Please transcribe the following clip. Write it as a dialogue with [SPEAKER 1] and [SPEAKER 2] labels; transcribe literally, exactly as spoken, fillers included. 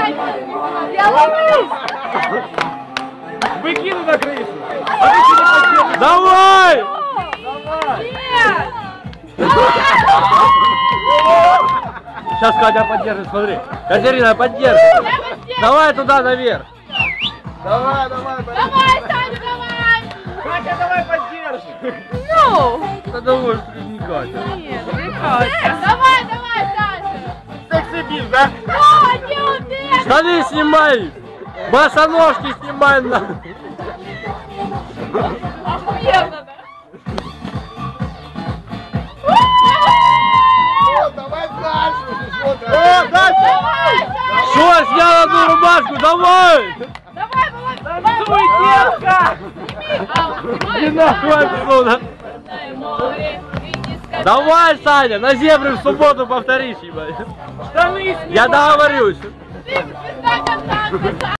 [SPEAKER 1] Я ловлюсь!
[SPEAKER 2] Выкину на крышу! А ты что не поддержишь? Давай!
[SPEAKER 1] Нет!
[SPEAKER 2] Сейчас Катя поддержит, смотри. Катерина, поддержит. Давай туда наверх. Давай, давай,
[SPEAKER 1] Давай, Саня, давай!
[SPEAKER 2] Катя, давай поддержи.
[SPEAKER 1] Ну!
[SPEAKER 2] Да давай, что не Катя.
[SPEAKER 1] Нет, не Катя. Давай, давай, Саня!
[SPEAKER 2] Секси-бис, да?
[SPEAKER 1] О, не умеешь!
[SPEAKER 2] Штаны снимай! Босоножки снимай на.
[SPEAKER 1] Охуенно, да?
[SPEAKER 3] Давай дальше!
[SPEAKER 2] О, дальше!
[SPEAKER 1] Давай, Саня!
[SPEAKER 2] Что, снял одну рубашку, давай!
[SPEAKER 1] Давай, давай, давай!
[SPEAKER 2] Танцуй, девка! Не нахуй отсюда! Давай, Саня, на зебры в субботу повторишь, ебать. Штаны снимай! Я договорюсь.
[SPEAKER 1] Ты звезда контакта,